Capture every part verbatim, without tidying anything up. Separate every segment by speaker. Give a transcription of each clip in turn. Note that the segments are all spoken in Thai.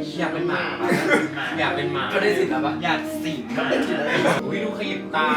Speaker 1: อยากเป็นหมาอยากเป็นหมา
Speaker 2: ก็ได้สิทธิ์แล้วปะ
Speaker 1: อยากสิงหมาอุ้ยดูขยิบตา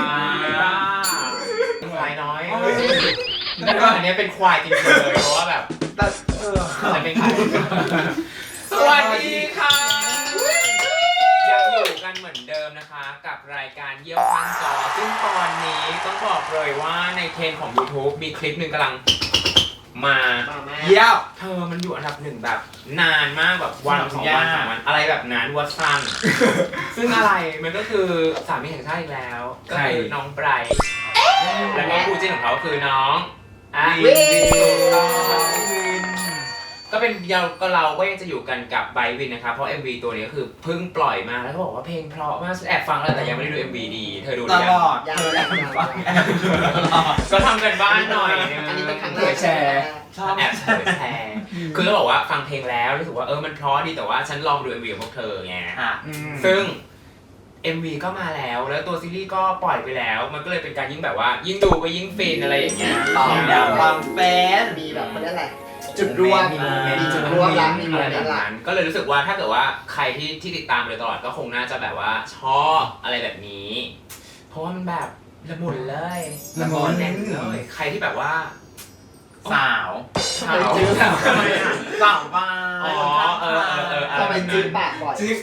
Speaker 1: ควายน้อยแต่ว่าอันนี้เป็นควายจริงๆเลยเพราะว่าแบบแต่เออจะเป็นควายสวัสดีค่ะยังอยู่กันเหมือนเดิมนะคะกับรายการเยี่ยวข้างจอซึ่งตอนนี้ต้องบอกเลยว่าในเทรนด์ของ YouTube มีคลิปหนึ่งกำลังมาเยี่ยวเธอมันอยู่อันดับหนึ่งแบบนานมากแบบวันสองวันสามวันอะไรแบบนั้นวัดสั้นซึ่งอะไรมันก็คือสามีแห่งชาติอีกแล้วก็คือน้องไบรท์แล้วก็คู่จิ้นของเขาคือน้องอ่ะวินก็เป็นเราก็เราก็ยังจะอยู่กันกับไบรท์วินนะครับเพราะ เอ็ม วี ตัวนี้ก็คือเพิ่งปล่อยมาแล้วก็บอกว่าเพลงเพราะมากแอบฟังแล้วแต่ยังไม่ได้ดู เอ็ม วี ดีเธอดูหรือยัง
Speaker 2: ตลอดเธอแอบฟัง
Speaker 1: ก็ทำกันบ้านหน่อย
Speaker 3: อันนี้เป็นครั้งแรก
Speaker 2: แชร์ชอบ
Speaker 1: แอบเผยแชร์คือต้องบอกว่าฟังเพลงแล้วรู้สึกว่าเออมันเพราะดีแต่ว่าฉันลองดู เอ็ม วี ของพวกเธอไงซึ่ง เอ็ม วี ก็มาแล้วแล้วตัวซีรีส์ก็ปล่อยไปแล้วมันก็เลยเป็นการยิ่งแบบว่ายิ่งดูก็ยิ่งฟินอะไรอย่างเงี้ย
Speaker 2: ต่อแนวความแฟน
Speaker 3: มีแบบเขาเรียกอะไรจุดรวม
Speaker 2: มีโมเมนต์
Speaker 3: มีจุดรวมแล้วมีโม
Speaker 1: อะไร
Speaker 3: เม
Speaker 1: แบ
Speaker 3: น
Speaker 1: บ
Speaker 3: ต์ละ
Speaker 1: นั้นก็เลยรู้สึกว่าถ้าเกิดว่าใครที่ที่ติดตามเลยตลอดก็คงน่าจะแบบว่าชอบอะไรแบบนี้ เพราะว่ามันแบบละมุนเลยละมุนแน่นเลยใครที่แบบว่าสาวสาวสาวสาวบ้าอ๋อเออเออเออ
Speaker 3: ทำไมจื้อปากบ่อย
Speaker 1: จิ๊บ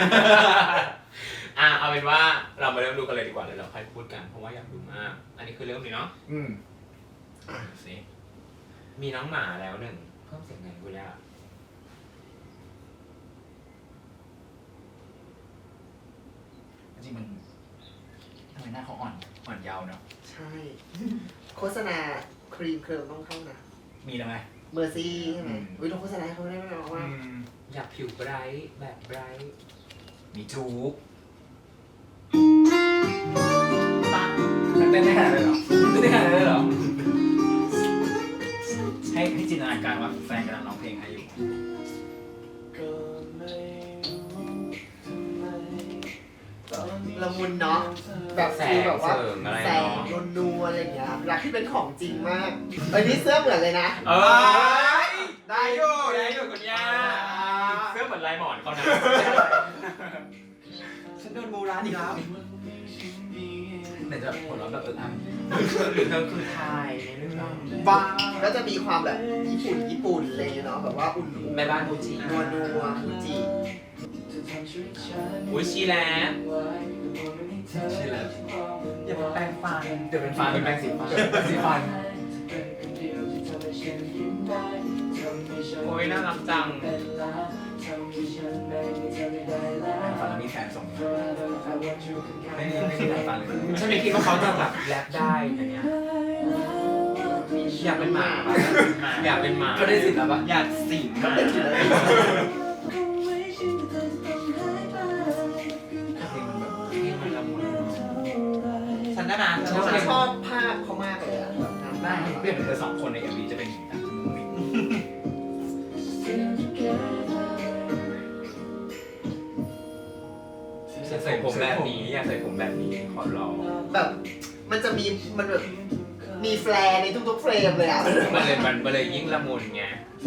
Speaker 1: อ่ะเอาเป็นว่าเรามาเริ่มดูกันเลยดีกว่าเลยเราค่อยพูดกันเพราะว่าอยากดูมากอันนี้คือเริ่มเลยเนาะ
Speaker 2: อืม
Speaker 1: สิมีน้องหมาแล้วหนึ่งเพิ่มเสียงไงกูยาก
Speaker 2: จริงมันทำไมหน้าเขาอ่อนอ่อนเยาว์เนาะ
Speaker 3: ใช่ โฆษณาครีมเคลิมต้องเข้านะ
Speaker 2: มีแล้วไหม
Speaker 3: เมอร์ซี่ใช่ไหมอุ้ยเราโฆษณาให้เขาได้ไหมบอกว่า
Speaker 1: อยากผิวไบรท์แบบไบรท์
Speaker 2: มีจูบมันเต้นได้ขนาดนั้นเลยเหรอเต้นได้ขนาดนั้นเลยเหรอให้ให้จินตนาการว่าแฟนกำลังร้องเพลงให้อยู่
Speaker 3: ละมุนเนาะแบบ
Speaker 1: แส
Speaker 3: คือง แบบว่า
Speaker 1: เสริงอะไร
Speaker 3: แสง
Speaker 1: เนาะ
Speaker 3: นัวๆอะไรอย่างเงี้ยรักที่เป็นของจริงมากเอ้ยนี่เสื้อเหมือนเลยนะ
Speaker 1: เออได้อยู่ได้อยู่คุณย่าเสื้อเหมือนลายหมอนเขานะ
Speaker 2: ฉันโดนมูร้านอีกแล้วไหนจะผลลัพธ์แบบเอออ่ะ
Speaker 1: หรือเธอคือไทยในเรื่อง
Speaker 3: บ้าก็จะมีความแบบญี่ปุ่นญี่ปุ่นอะไรอย่างเงี้ยเนาะแบบว่าอุ่นๆ
Speaker 1: แม่บ้านฟูจิ
Speaker 3: นัวนัวฟูจิ
Speaker 1: อุ้ยชีแล้ว
Speaker 2: ชื่ออะไรอย่าเป็นแปรงฟันเดี๋ยวเป็นฟันเป็นแปรงสีฟันแปรงสีฟัน
Speaker 1: โอ้ยน่ารักจัง
Speaker 2: แปรงฟันแล้วมีแฟนส่งมาไม่มีไม่มีแปรงฟันเลย
Speaker 1: ฉันไม่คิดว่าเขาจะแบบแรปได้อย่างเงี้ยอยากเป็นหมาอยากเป็นหมา
Speaker 2: ก็ได้สิทธิ์แล้วปะ
Speaker 1: อยากสิงหมา
Speaker 3: เป็นอยู่เลย
Speaker 2: เพลงมันแบบ
Speaker 1: เพลงมันละมุน
Speaker 2: ฉันได้มา
Speaker 3: ฉันชอบภาพเขามากเลยอะแบบงาน
Speaker 2: ได้
Speaker 3: ได้
Speaker 2: เปลี่ยนเป็นเธอสองคนใน เอ็ม วี จะเป็นอย่างนี้
Speaker 1: อยากใส่ผมแบบนี้อยากใส่ผมแบบนี้ขอร้อง
Speaker 3: แบบมันจะมีมันแบบมีแฟลร์ในทุกๆเฟรมเลยอะ
Speaker 1: มันเลยมันเลยยิ่งละมุนไง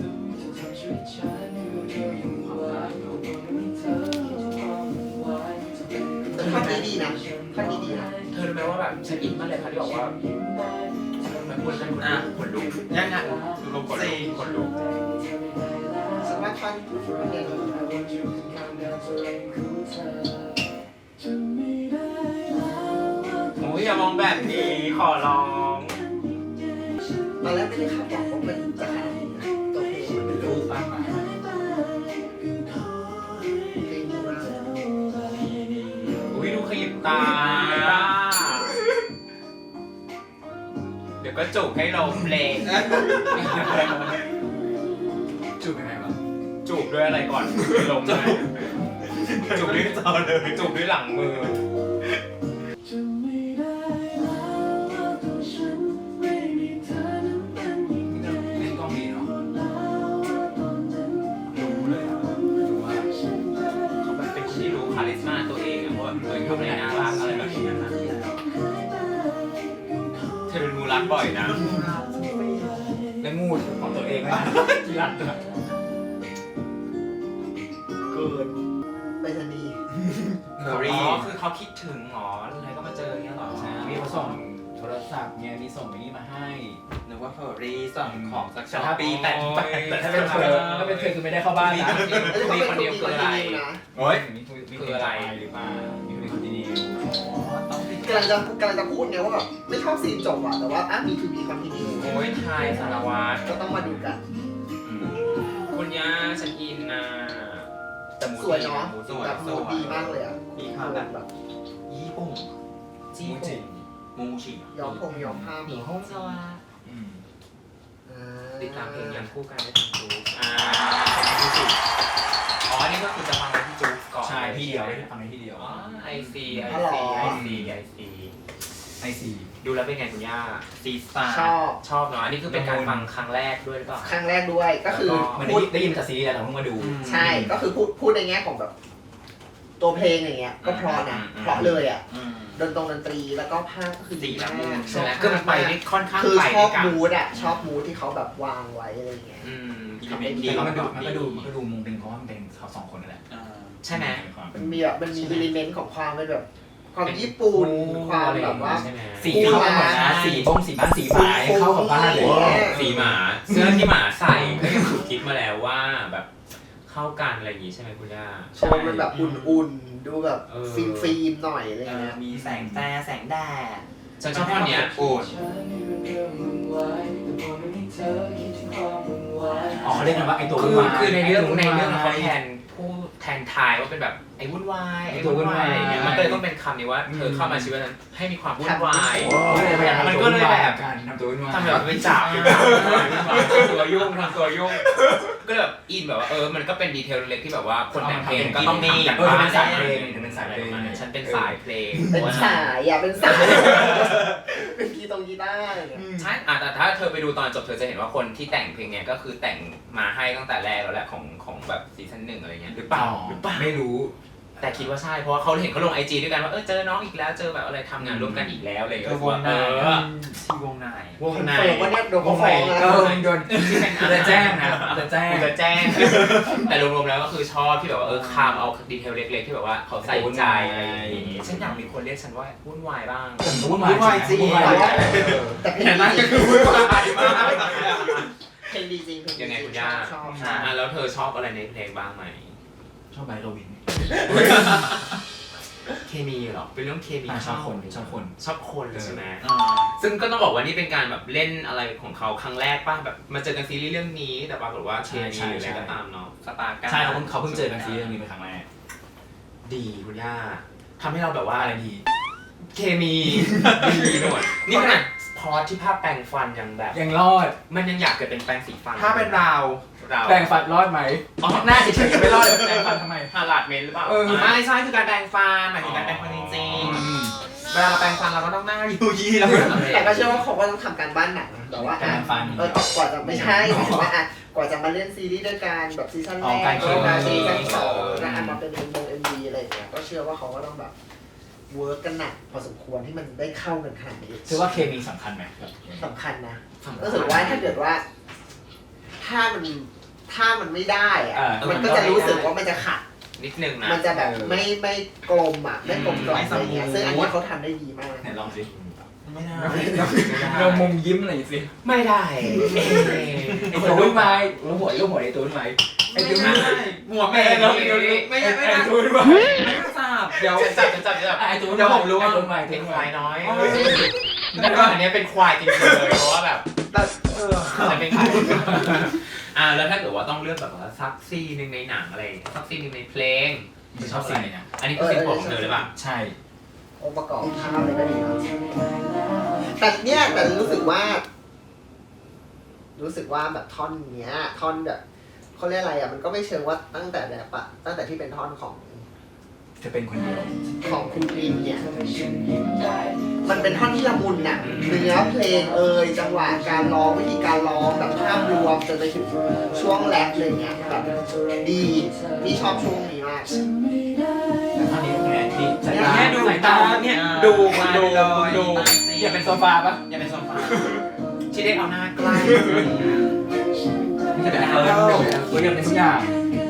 Speaker 3: แต่ท่อนนี้ดีนะท่อนนี้ดีนะ
Speaker 1: เธอรู้ไหมว่าแบบฉันอินมากเลยค่ะที่บอกว่ามันควรจะอ่ะขนลุก
Speaker 2: ยังไง
Speaker 1: ดูลมขนลุกขนลุก
Speaker 3: ฉันว่าท่อนเนี่ย
Speaker 1: โอ้ยอย่ามองแบบนี้ขอร้อง
Speaker 3: ตอนแรกไม่ได้คาดหวังว่ามันจะขนาดนี้นะตัวเพลงมันเป็น
Speaker 2: รู
Speaker 3: รู
Speaker 2: ป
Speaker 3: ป
Speaker 2: บ้างมา
Speaker 3: เพลงดีมาก
Speaker 1: อุ้ยดูขยิบตา เดี๋ยวก็จูบให้ลมเพลง
Speaker 2: จูบยังไงวะ
Speaker 1: จูบด้วยอะไรก่อนลมเลยจูบด้วยจอเลยจูบด้วยหลังมือ
Speaker 2: เล่นกล้องดีเนาะรู้เลยอะรู้ว่า
Speaker 1: เขาแบบเป็นคนที่รู้คาลิสมาตัวเองอะว่าตัวเองทำอะไรน่ารักอะไรแบบนี้นะเธอเป็นมูรักบ่อยนะ
Speaker 2: และงูของตัวเองนะกีรันตัว
Speaker 3: เกินหินไปรษณีย์
Speaker 1: อ๋อคือเขาคิดถึงหรออะไรก็มาเจออย่างเงี้ยหรอ
Speaker 2: ใช่มีมาส่งโทรศัพท์เนี่ยมีส่งไอ้นี่มาให้
Speaker 4: นึกว่าเฟอร์รี่สั่งของสัก
Speaker 2: แต่
Speaker 4: ช้อป
Speaker 2: ถ้า
Speaker 4: ปี้
Speaker 2: แต่
Speaker 4: แต่
Speaker 2: แต่ถ้าเป็นเธอถ้าเป็นเธอคือไม่ได้เข้าบ้านนะ
Speaker 1: มีคนเดียวคืออะไร
Speaker 3: นะ
Speaker 4: โอ้ย
Speaker 2: มีคืออะไรหรือเปล่ามีคนคนดี
Speaker 3: กำลังจะกำลังจะพูดไงว่าแบบไม่ชอบซีนจบอะแต่ว่าอ่ะมีทูบีคอนติเนีย
Speaker 1: โอ้ยชายสารวัตร
Speaker 3: ก็ต้องมาดูกัน
Speaker 1: คุณย่าฉันอินนะแต่หมู
Speaker 3: สวยเนาะ
Speaker 1: หมูส
Speaker 3: แบ
Speaker 1: วย
Speaker 3: บมูดดีมากเลยอะ
Speaker 4: มีความแบบ
Speaker 3: แบบ
Speaker 4: ญี่ปุ่น
Speaker 1: จี
Speaker 2: มูจิ
Speaker 4: มูชิ
Speaker 3: ย้อมผมย้อมผ้า
Speaker 1: หมีห้องสวัสดิ์
Speaker 2: อืม
Speaker 3: อ่า
Speaker 1: ติดตามเพลงยังคู่กันได้ทางจู๊กอ่าอ๋อนี่ก็คือจะฟังไว้ที่จู๊กก่อน
Speaker 2: ใช่ที่เดียวได้ฟังในที่เดียว
Speaker 1: อ๋อไอซีไอซีไอซีไอซี
Speaker 2: ไอซี
Speaker 1: ดูแล้วเป็นไงคุณย่า
Speaker 4: ซีซ่า
Speaker 3: ชอบ
Speaker 1: ชอบเนาะอันนี้คือเป็นการฟังครั้งแรกด้วยหรือเปล่า
Speaker 3: ครั้งแรกด้วยก็คือ
Speaker 2: มัน
Speaker 3: พูด
Speaker 2: ได้ยินจากซีรีส์แล้วเราเพิ่งมาดู
Speaker 3: ใช่ก็คือพูดพูดในแง่ของแบบ ตัวเพลงอย่างเงี้ยก็เพราะนะเพราะเลยอ่ะ
Speaker 4: อืม
Speaker 3: ดนตรงดนตรีแล้วก็ภาพก็คือดีมาก
Speaker 1: ใช่ไหมคือมันไปได้ค่อนข้าง
Speaker 3: คือ
Speaker 1: ไป
Speaker 3: ช
Speaker 1: ด้
Speaker 3: อ
Speaker 1: ว
Speaker 3: บ
Speaker 1: ยกัน
Speaker 3: มูดอ่ะชอบมูดที่เขาแบบวางไว้อะไรอย่างเงี้ย
Speaker 1: อืม
Speaker 4: อิเลเมนต์ดี
Speaker 2: แต่ก็มันดูมันก็ดูมันก็ดูมุงเป็นเพราะว่ามันเป็นเขาสองคนนั่นแหละ
Speaker 4: อ่า
Speaker 1: ใช่ไหม
Speaker 3: มันมีแบบมันมีอิเลเมนต์ของความเป็นแบบ ความญี่ปุ่นความแบบว่า
Speaker 1: ใช่ไหม
Speaker 2: สีเข้ากันหมดนะสีบ้งสีบ้านสีฝายเข้ากับบ้านเลย
Speaker 1: สีหมาเสื้อที่หมาใส่ก็ยังถูกคิดมาแล้วว่าแบบเข้ากันอะไรอย่างงี้ใช่ไหมคุณย่า
Speaker 3: โชว์มันแบบอุ่นๆ ดูแบบ
Speaker 1: เออ
Speaker 3: ฟิล์มฟิล์มๆหน่อยอะไร
Speaker 4: เออ
Speaker 3: เงี้ย
Speaker 4: มีแสงแฟร์แสงแดด
Speaker 1: ฉันชอบท่อนเนี้ย
Speaker 4: โอ้ย
Speaker 2: อ๋อเขาเรียกกันว่าไอตัว
Speaker 1: คือ
Speaker 2: วุ่นวาย
Speaker 1: คือในเรื่องในเรื่อง
Speaker 2: วุ่นว
Speaker 1: เขา
Speaker 2: ย
Speaker 1: แทนผู้แทนทายว่าเป็นแบบไอ้วุ่นวายไอ้
Speaker 2: ไอ้ตัววุ่
Speaker 1: วุ่นวาว
Speaker 2: นาย ย
Speaker 1: อะไรอย่างเงี้ยมันก็เลยต้องเป็นคำนี้ว่าเธอเข้ามาชีวิตนั้นให้มีความวุ่นวาย
Speaker 2: พยายาม
Speaker 1: มัน
Speaker 2: ทำ
Speaker 1: ก็
Speaker 2: ตัว
Speaker 1: เล
Speaker 2: วุ่
Speaker 1: ย
Speaker 2: นวาย
Speaker 1: แบบ
Speaker 2: กันทำตัววุ่นวาย
Speaker 1: ทำแบบเป็นจับเป็นจับตัวยุ่งทำตัวยุ่งก็เลยแบบอินแบบว่าเออมันก็เป็นดีเทลเล็กที่แบบว่าคนแต่งเพลงก็ต้องมี
Speaker 2: เออเป็นสายเพลงเป็นสายเพลง
Speaker 1: ฉันเป็นสายเพลง
Speaker 3: เป็นสายอ่ะเป็นสาย เป็นกีตงกีตาร์อะไรเงี้ย
Speaker 1: ใช่อ่ะแต่ถ้าเธอไปดูตอนจบเธอจะเห็นว่าคนที่แต่งเพลงเนี้ยก็คือแต่งมาให้ตั้งแต่แรกแล้วแหละของของแบบซีซั่นหนึ่งอะไรเงี้ยหรือเปล่าหรือเปล่า
Speaker 2: ไม่รู้
Speaker 1: แต่คิดว่าใช่เพราะว่าเขาเห็นเขาลงไอจีด้วยกันว่าเออเจอน้องอีกแล้วเจอแบบอะไรทำงานร่วมกันอีกแล้วอะไรอย่าง
Speaker 4: เอ
Speaker 1: เงี้
Speaker 4: อย วงใน
Speaker 1: เออ
Speaker 4: ที่วงใน
Speaker 1: วง
Speaker 3: คอน
Speaker 1: ใน
Speaker 3: เฟิร์มว่าเนี่ยโดนเขาฟ้อง
Speaker 2: เอ
Speaker 3: นะ
Speaker 2: อโดนจะแจ้งนะจะแจ้ง
Speaker 1: กูจะแจ้ง แต่รวมๆแล้วก็คือชอบที่แบบว่าเออคามเอาดีเทลเล็กๆที่แบบว่าเขาใส่ใจอะไรอย่างงี้ฉันอยากมีคนเรียกฉันว่าวุ่นวายบ้าง
Speaker 2: วุ่นวายจริง
Speaker 3: แต่เพลง
Speaker 1: แต่นั่น
Speaker 3: ดี
Speaker 1: ก็คือวุ่นวายมาก
Speaker 3: เพลงดีจริงเพลงดี
Speaker 1: ยังไง
Speaker 3: จริ
Speaker 1: คุณ
Speaker 3: ช
Speaker 1: ย่า
Speaker 3: อบชอบชอบ
Speaker 1: อ่ะแล้วเธอชอบอะไรในเพลงบ้างไหม
Speaker 2: ชอบไบโรวิน
Speaker 1: เคมีเหรอเป็นเรื่องเคมี
Speaker 2: ชอบคนชอบคน
Speaker 1: ชอบคนใช่ไหม
Speaker 4: อ่า
Speaker 1: ซึ่งก็ต้องบอกว่านี่เป็นการแบบเล่นอะไรของเขาครั้งแรกป่ะแบบมาเจอกันซีรีส์เรื่องนี้แต่ปรากฏว่าเคมีหรืออะไรก็ตามเนาะสตาร์กัน
Speaker 2: ใช่เขาเพิ่งเขาเพิ่งเจอกันซีรีส์นี้เป็นครั้งแรก
Speaker 1: ดีคุณย่าทำให้เราแบบว่า
Speaker 2: อะไรดี
Speaker 1: เคมีดีไปหมดนี่ขนาดพอที่ภาพแปรงฟันยังแบบ
Speaker 2: ยังรอด
Speaker 1: มันยังอยากเกิดเป็นแปรงสีฟัน
Speaker 4: ถ้าเป็นเรา
Speaker 1: เรา
Speaker 2: แปลงฟันรอดไหม
Speaker 1: อ๋อ
Speaker 2: หน้าเฉยๆไม่รอดเลยแปลงฟันทำไม
Speaker 1: ฮาลาดเมนหรือเปล่า
Speaker 2: เออ
Speaker 1: ไม่ใช่คือการแปรงฟันหมายถึงการแปรงฟันจริงๆเวลาเราแปรงฟันเราก็ต้องหน้าอยู่ยี่แล้ว
Speaker 3: แต่ก็เชื่อว่าเขาก็ต้องทำการบ้านหนักแต่ว่า
Speaker 2: แปล
Speaker 3: อ่ะ
Speaker 2: งฟัน
Speaker 3: เออกว่าจะไม่ใช่หมายถึงว่าอ่ะกว่าจะมาเล่นซีรีส์ด้วยกันแบบซีซั่นแร
Speaker 2: อ๋อก การ
Speaker 3: เออมา
Speaker 2: เคมี
Speaker 3: ซีซั่นสองแล้วอ่ะมาเป็นเอ็มวงเอ็มวีอะไรอย่างเงี้ยก็เชื่อว่าเขาก็ต้องแบบเวิร์กกันหนักพอสมควรที่มันได้เข้ากันขนาดนี้
Speaker 2: ถือว่าเคมีสำคัญไหม
Speaker 3: สำคัญนะรู้สึกว่าถ้าเกิดว่า ถ้ามันถ้ามันไม่ได้อะมันก็จะรู้สึกว่ามันจะขัด
Speaker 1: นิดนึงนะ
Speaker 3: มันจะแบบไม่ไม่กลมอ่ะไม่กลมกล่อมอะไรเงี้ยซึ่งอันนี้เขาทำได้ดีมาก
Speaker 2: ไหนลองสิ
Speaker 1: ไม่ได้
Speaker 2: เรามุมยิ้มหน่อยสิ
Speaker 1: ไม่ได้
Speaker 2: ไอ้ตัววุ่นวายลูกหัวลูกหัวไอ้ตัววุ่นวายไอ้ตัววุ่นวาย
Speaker 1: หมวกไม่ได้ไม่ได้ไม่
Speaker 2: ไอ้
Speaker 1: ได้
Speaker 2: ตัววุ่นวาย
Speaker 4: ไม่ต้องทราบเดี๋ยว
Speaker 1: จะจับจะจับจะจับ
Speaker 2: ไอ้ตัววุ่น
Speaker 1: เดี๋ยว
Speaker 2: วา
Speaker 1: ผ
Speaker 2: ย
Speaker 1: มรู้ว่า
Speaker 2: ไอ้ตัววุ่นวาย
Speaker 1: เป็น
Speaker 2: ตัว
Speaker 1: ควาย
Speaker 2: วุ่นวาย
Speaker 1: น้อยแต่ว่าอันนี้เป็นควายจริงๆเลยเพราะว่าแบบจะเป็นควายอ่าแล้วถ้าเกิดว่าต้องเลือกแบบว่าซักซีนึงในหนังอะไรซักซีนึงในเพลง
Speaker 2: ชอบสิ่งนี้นะ
Speaker 1: อันนี้คือสิ่งของเธอหรือเปล่า
Speaker 2: ใช่
Speaker 3: องค์ประกอบภาพอะไรก็ดีนะแต่เนี่ยแต่รู้สึกว่า รู้สึกว่าแบบท่อนเนี้ย ท่อนแบบเขาเรียกอะไรอ่ะมันก็ไม่เชิงว่าตั้งแต่แบบอะตั้งแต่ที่เป็นท่อนของ
Speaker 2: จะเป็นคนเดียว
Speaker 3: ของคุณกรีนเนี่ย มันเป็นท่อนที่ละมุนน่ะเนื้อเพลงเอ่ยจังหวะการร้องวิธีการร้องแบบภาพรวมจนไปถึงช่วงแรปเลยเนี่ยแบบดีพี่ชอบช่วงนี้มาก
Speaker 2: ตอนนี้เป็นไงที่สายตา
Speaker 1: เนี่ยดู
Speaker 2: สายตา
Speaker 1: เนี่ยดูดูดู
Speaker 2: อย่าเป็นโซฟาปะ
Speaker 1: อย่าเป็นโซฟาที่ได้เอาหน้าใกล้
Speaker 2: อย่าเป็นเออเอออย่าเป็นทุกอย่าง
Speaker 4: อย่า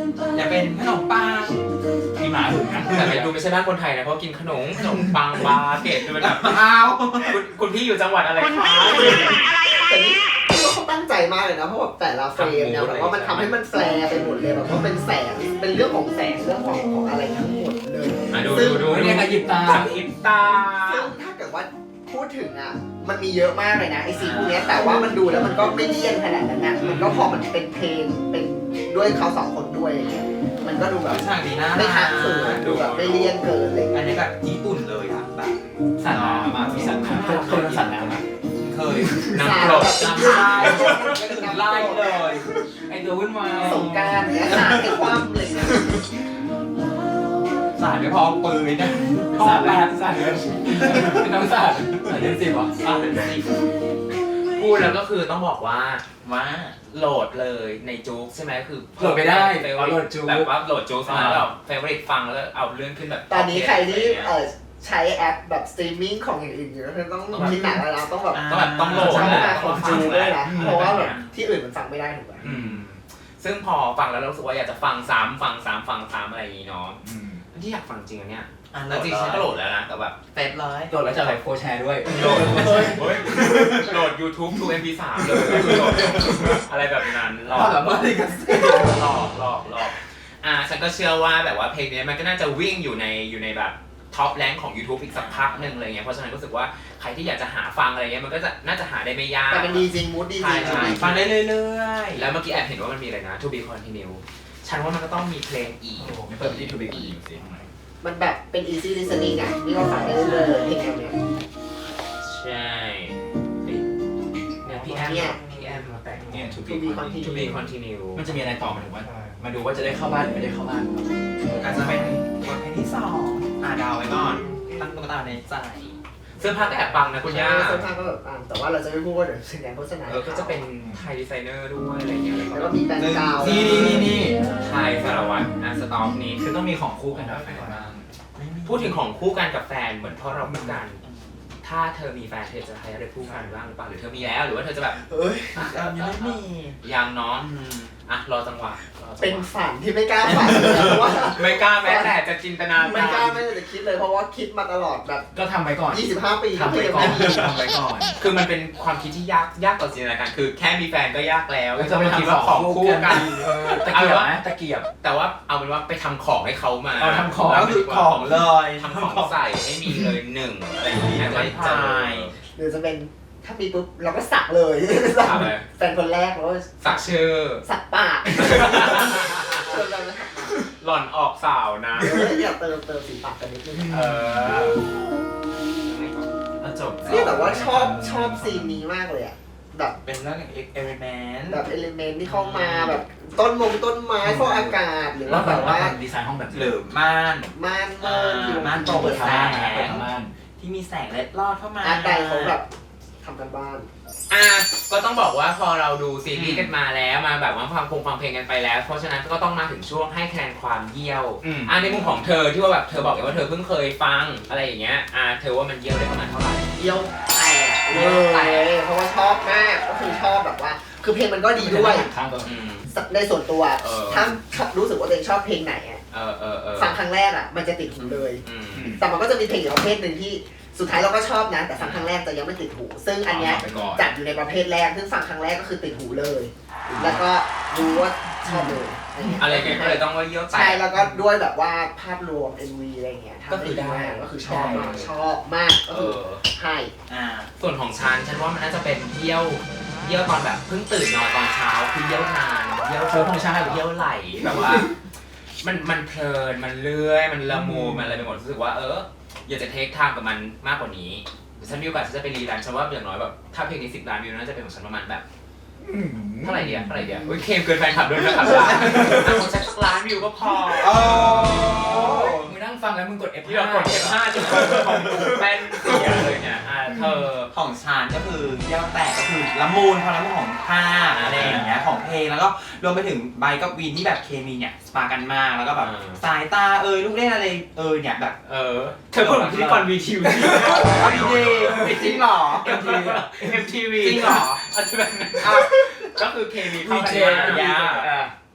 Speaker 4: จะเป็นขนมปัง
Speaker 2: มีหมาหึงนะ
Speaker 1: แต่ไม่ดูไม่ใช่บ้านคนไทยนะเพราะกินขนมขนมปังบาเกตดูเป็นแบบ
Speaker 4: อ้าว
Speaker 1: คุณคุณพี่อยู่จังหวัดอะไรคะ
Speaker 3: แต่นี่พี่ว่าเขาตั้งใจมากเลยนะเพราะแบบแต่ละเฟรมเนี่ยแบบว่ามันทำให้มันแฟร์ไปหมดเลยแบบว่าเป็นแสงเป็นเรื่องของแสงเรื่องของของอะไรทั้งหมดเลย
Speaker 1: อ่ะดูดูดู
Speaker 2: ไม่เรียกอายิบตา
Speaker 1: สังอิบตา
Speaker 3: ซึ่งถ้าเกิดว่าพูดถึงอ่ะมันมีเยอะมากเลยนะไอซีพวกเนี้ยแต่ว่ามันดูแล้วมันก็ไม่เลี่ยนขนาดนั้นนะมันก็พอมันเป็นเพลงเป็นด้วยเขาสองคนด้วยอะไรเงี้ยมันก็ดูแบบ
Speaker 4: ฉากดีนะ
Speaker 3: ไม่ขาดเขินดูแบบไม่เลี่ยนเกินอะไร
Speaker 4: อั
Speaker 3: เงี้
Speaker 4: น
Speaker 3: ย
Speaker 4: นี้แบบญี่ปุ่นเลยอ่ะแบบ
Speaker 2: สัตว์น้ำมามีสัตว์น้ำเคยเคยโดนสัตว์น้ำไหม
Speaker 4: เคย
Speaker 1: น้ำกรด
Speaker 4: น้ำลายไล่เลยไอตัววุ่นวาย
Speaker 3: สงกรารเนี้ยขาดให้คว่ำเลยนะ
Speaker 4: สายไม่พอปืนนะ
Speaker 2: สัตว์แล้วสัตว์เลยเป็นน้องสัตว์สัตว์เลี้ยงสิบเหรอ
Speaker 1: อ่ะเป็นสิพูดแล้วก็คือต้องบอกว่า
Speaker 4: ว่า
Speaker 1: โหลดเลยในจู๊กใช่ไหมคือ
Speaker 2: โหลดไม่ได้
Speaker 1: เฟ
Speaker 2: เอาโหลดจู๊ก
Speaker 1: แบบว่าโหลดจู๊กมาแล้วเฟเวอร์ฟังแล้วเอาเลื่อนขึ้นแบบ
Speaker 3: ตอนนี้ใครที่เออใช้แอปแบบสตรีมมิ่งของอย่างอื่นอยู่ก็คือต้องคิดหนักแล้วนะต้องแบบ
Speaker 1: ต้องแบบต้องโหลด
Speaker 3: ใช้
Speaker 1: นะ
Speaker 3: มาของจูด้วยนะเพราะว่าแบบที่อื่นมันฟังไม่ได้ถูกไหม
Speaker 1: อืมซึ่งพอฟังแล้วเรารู้สึกว่าอยากจะฟังซ้ำฟังซ้ำฟังซ้ำอะไรอย่างงี้เนาะที่อยากฟังจริงอันเนี้ย
Speaker 4: อ่ะ
Speaker 1: แล้วจริงๆฉันก็โหลดแล้วนะแต่แบบ
Speaker 4: เสร็จเลย
Speaker 2: โดนแล้วจะอะไรโฟร์แชร์ด้วย
Speaker 1: โหลดโหลด YouTube to เอ็ม พี สาม เลยโหลดอะไรแบบนั้นหลอก
Speaker 2: ความสามารถในการ
Speaker 1: หลอกหลอกหลอกอ่าฉันก็เชื่อว่าแบบว่าเพลงนี้มันก็น่าจะวิ่งอยู่ในอยู่ในแบบท็อปแรงของ YouTube อีกสักพักหนึ่งอะไรเงี้ยเพราะฉะนั้นรู้สึกว่าใครที่อยากจะหาฟังอะไรเงี้ยมันก็จะน่าจะหาได้ไม่ยาก
Speaker 3: แต่มันดีจริงมูดดีจริง
Speaker 1: ใช่
Speaker 4: ฟังได้เรื่อย
Speaker 1: แล้วเมื่อกี้แอบเห็นว่ามันมีอะไรนะ To be continue ฉันว่ามันก็ต้องมีเพลงอีก
Speaker 2: โอ้โหไม่เปิดไปที่ทูบีอีกสิ
Speaker 3: มันแบบเป็น easy listening อ่ะนี่ก็ฟังได้เรื่อยๆเพลงแนวเนี้ย
Speaker 1: ใช่เฮ้ยเนี่ยพี่แอม
Speaker 3: เนี่ย
Speaker 1: พี่แอมมาแต่ง
Speaker 2: เนี่ยทู
Speaker 3: To
Speaker 2: บี
Speaker 3: be continue
Speaker 1: To be continue
Speaker 2: มันจะมีอะไรต่อมาถึงว่า มาดูว่าจะได้เข้าบ้านหรือไม่ได้เข้าบ้าน
Speaker 4: ๆก็จะเป็นบทเพลงที่สองอ่าดาวไว้ก่อน ตั้งตุ๊กตาในใจ
Speaker 1: เสื้อผ้าก็แอบปังนะคุณย่า
Speaker 3: เสื้อผ้าก็แบบอ่ะแต่ว่าเราจะไม่พูดว่าเดี๋ยวสัญญาณโฆษณา
Speaker 1: เออก็จะเป็นไทยดีไซเนอร์ด้วยอะไรเงี้ยแล้ว
Speaker 3: แล้ว
Speaker 1: ก็
Speaker 3: ก็มีแบรนด์กาว
Speaker 2: นี่นี่นี่นี่
Speaker 1: ไทยสารวัตรอ่ะสต็อกนี้
Speaker 2: คือต้องมีของคู่กันกับแฟนบ้าง
Speaker 1: พูดถึงของคู่กันกับแฟนเหมือนพ่อเราพูดกัน ถ้าเธอมีแฟนเธอจะใช้อะไรคู่กันบ้างหรือเปล่าหรือเธอมีแล้วหรือว่าเธอจะแบบ
Speaker 3: เอ้ย
Speaker 4: ยังไม่มี
Speaker 1: ยังเนาะอ่ะรอจังหวะรอจังหวะ
Speaker 3: เป็นฝันที่ไม่กล้าฝันเลยเพราะว่า
Speaker 1: ไม่กล้าแม้แต่จะจินตนา
Speaker 3: ไม่กล้าไม่ได้คิดเลยเพราะว่าคิดมาตลอดแบบ
Speaker 2: ก็ทำไปก่อน
Speaker 3: ยี่สิบห้าปี
Speaker 2: ทำไป
Speaker 3: ที่ยัง
Speaker 2: ก่อน
Speaker 3: ไม่มี
Speaker 2: ทำไปก่อน
Speaker 1: คือมันเป็นความคิดที่ยากยากต่อจินตนาการคือแค่มีแฟนก็ยากแล้ว
Speaker 2: แล้วจะไป
Speaker 1: คิด
Speaker 2: ทำ
Speaker 1: ว่า
Speaker 2: ข
Speaker 1: ข
Speaker 2: อ
Speaker 1: อง ง
Speaker 2: คู่
Speaker 1: คู่
Speaker 2: กั
Speaker 1: กัน น
Speaker 2: เออตะเกียบไหมตะเกียบ
Speaker 1: แต่ว่าเอาเป็นว่าไปทำของให้เขามา
Speaker 2: เอาทำของ
Speaker 4: แล้วคือของเลย
Speaker 1: ทำของใส่ให้มีเลยหนึ่งอะไรอย่างเงี้ยจะได้เจอ
Speaker 3: หรือจะเป็นถ้ามีปุ๊บเราก็สักเลย
Speaker 1: สักเลย
Speaker 3: แฟนคนแรกแล้วก็
Speaker 1: สักชื่อ
Speaker 3: สักปากชวนกันนะ
Speaker 1: หล่อนออกสาวนะ
Speaker 3: เอออยากเติมเติมสีปากกันนิดนึง
Speaker 1: เออ
Speaker 4: แล้วจบ
Speaker 3: นี่แบบว่าชอบชอบซีนนี้มากเลยอ่ะแบบ
Speaker 4: เป็นเรื่องเอ็กเอริเมนต์
Speaker 3: แบบเอลิเมนต์ที่เข้ามาแบบต้นมงต้นไม้ฟอกอากาศหรือ
Speaker 2: แล้
Speaker 3: ว่าว
Speaker 2: แบ
Speaker 3: แบบ บ
Speaker 2: ว่า
Speaker 3: ว่า
Speaker 2: ดีไซน์ห้องแบบ
Speaker 4: หรือม่าน
Speaker 3: ม่านเมินอยู่
Speaker 4: ม่านโป
Speaker 2: เปิ
Speaker 4: ร่
Speaker 2: ด
Speaker 4: ง
Speaker 2: ทา
Speaker 4: แส
Speaker 2: ง
Speaker 4: ง
Speaker 2: เปิดทางบ้าน
Speaker 4: ที่มีแสงเล็ดลอดเข้ามา
Speaker 3: อาร์ตไดเขาแบบทำกันบ้าน
Speaker 1: อ่ะก็ต้องบอกว่าพอเราดูซีรีส์กันมาแล้วมาแบบว่าฟังพงฟังเพลงกันไปแล้ว เพราะฉะนั้นก็ต้องมาถึงช่วงให้คะแนนความเยี่ยว
Speaker 2: อืม
Speaker 1: อ่ะในมุมของเธอที่ว่าแบบเธอบอกเลยว่าเธอเพิ่งเคยฟังอะไรอย่างเงี้ยอ่ะเธอว่ามันเยี่ยวได้ประมาณเท่าไหร่
Speaker 3: เยี่ยวแตกเลยเพราะว่าชอบมากก็คือชอบแบบว่า คือเพลงมันก็ดีด้วย
Speaker 2: ข้างตัว
Speaker 1: อืม
Speaker 3: ในส่วนตัว
Speaker 1: เออ
Speaker 3: ถ้ารู้สึกว่าตัวเองชอบเพลงไหนอ่ะ
Speaker 1: เออเออเออ
Speaker 3: ฟังครั้งแรกอ่ะมันจะติดหูเลย
Speaker 1: อืม
Speaker 3: แต่มันก็จะมีเพลงอีกประเภทหนึ่งที่สุดท้ายเราก็ชอบนะแต่ฟังครั้งแรกจะยังไม่ติดหู ซึ่งอันเนี้ย
Speaker 2: ไปก่อน
Speaker 3: จัดอยู่ในประเภทแรกซึ่งฟังครั้งแรกก็คือติดหูเลย แล้วก็รู้ว่าชอบเลย
Speaker 1: อะไรเงี้ยก็เลยต้องว่าเยี่ยวแต
Speaker 3: ใช่
Speaker 1: ก
Speaker 3: แล้วก็ด้วยแบบว่าภาพรวม เอ็ม วี อะไรเงี้ย
Speaker 1: ก็คือได้
Speaker 3: ก็คือชอบมากชอบมากก็
Speaker 1: เอ
Speaker 3: คือ
Speaker 1: อ
Speaker 3: ให้
Speaker 4: อ่า
Speaker 1: ส่วนของฉันฉันว่ามันน่าจะเป็นเยี่ยวเยี่ยวตอนแบบเพิ่งตื่นนอนตอนเช้าคือเยี่ยวนานเยี่ยว
Speaker 2: เชิญธงชาติ
Speaker 1: เยี่ยวไหลแบบว่า มันมันเพลินมันเลื่อยมันละมุนมันอะไรไปหมดรู้สึกว่าเอออยากจะเทคไทม์กับมันมากกว่านี้ฉันมีโอกาสฉันจะไปรีแลนซ์ฉันว่าอย่างน้อยแบบถ้าเพลงนี้สิบล้านวิวน่าจะเป็นของฉันประมาณแบบเท่าไหร่เดียวเท่าไหร่เดียวโอ้ยเคมเกินแฟนคลับด้วยนะครับ ของฉันสักล้านวิวก็พอ
Speaker 4: โอ้
Speaker 2: มึงนั่งฟังแล้วมึงกด เอฟ
Speaker 1: ที่เรากดเก็บห้าจนของแป้นเสียเลยเนี่ยอ่ะเธอ
Speaker 4: ของชานก็คือเยี่ยวแตกก็คือละมุนความละมุนของภาพอะไรอย่างเงี้ยของเพลงแล้วก็รวมไปถึงไบร์ทกับวีนที่แบบเคมีเนี่ยสปากันมากแล้วก็แบบสายตาเอยลูกเล่นอะไรเอยเนี่ยแบบ
Speaker 1: เออเธอพูดเหมือนพิธีกรวีทีวี
Speaker 4: เอาดีๆจริงเหรอ
Speaker 1: เอ็มทีวีเอ็มทีวี
Speaker 4: จริงเหรอ
Speaker 1: อาจจะเป็นก็คือเคมีเข้ากัน
Speaker 2: วีเจ
Speaker 1: มาก
Speaker 2: อ่ะ
Speaker 1: เค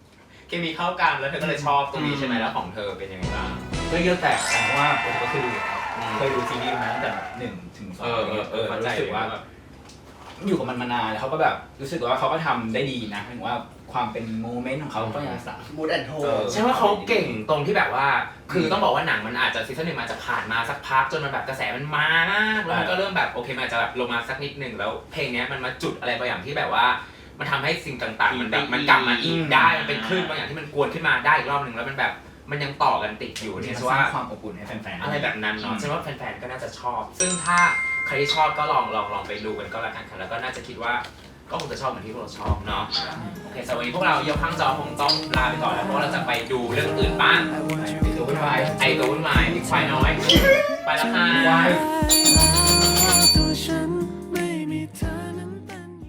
Speaker 1: เคมีเข้ากันแล้วเธอก็เลยชอบตรงนี้ใช่ไหมแล้วของเธอเป็นยังไงบ้าง
Speaker 2: ก็เยอะแตกกันเพราะว่าผมก็เคยดูเคยดูซีรีส์มาตั้งแต่หนึ่งถึงสอง
Speaker 1: เออเออเออ
Speaker 2: รู้สึกว่าแบบอยู่กับมันมานานแล้วเขาก็แบบรู้สึกว่าเขาก็ทำได้ดีนะหมายถึงว่าความเป็นโมเมนต์ของเขาก็ยังรักษา
Speaker 3: มูดแอนโท
Speaker 1: ใช่ว่าเขาเก่งตรงที่แบบว่า คือต้องบอกว่าหนังมันอาจจะซีซั่นหนึ่งมาจะผ่านมาสักพักจนมันแบบกระแสมันมามากแล้วมันก็เริ่มแบบโอเคมันอาจจะแบบลงมาสักนิดหนึ่งแล้วเพลงนี้มันมาจุดอะไรบางอย่างที่แบบว่ามันทำให้สิ่งต่างๆมันแบบมันกลับมาอีกได้มันเป็นคลื่นบางอย่างที่มันกวนขึ้นมาได้อีกรอบหนึ่งแล้วมันแบบมันยังต่อกันติดอยู่เนี่ย
Speaker 2: ส
Speaker 1: ว่า
Speaker 2: ร้างความอบอุ่นให้แฟนๆ
Speaker 1: อะไรแบบนั้นเนาะฉันว่าแฟนๆก็น่าจะชอบ ซึ่งถ้าใครที่ชอบก็ลองลองลองไปดูกันก็แล้วกันค่ะแล้วก็น่าจะคิดว่าก็คงจะชอบเหมือนที่พวกเราชอบเนาะโอเคสำหรับวันนี้พวกเรายกข้างจอคงต้องลาไปก่อนแล้วเพราะว่าเราจะไปดูเรื่องอื่นบ้าง
Speaker 2: ติดตัววุ่นวาย
Speaker 1: ไอตัววุ่นวายควายน้อยไปแล้วค่ะ
Speaker 2: วาย
Speaker 5: 多深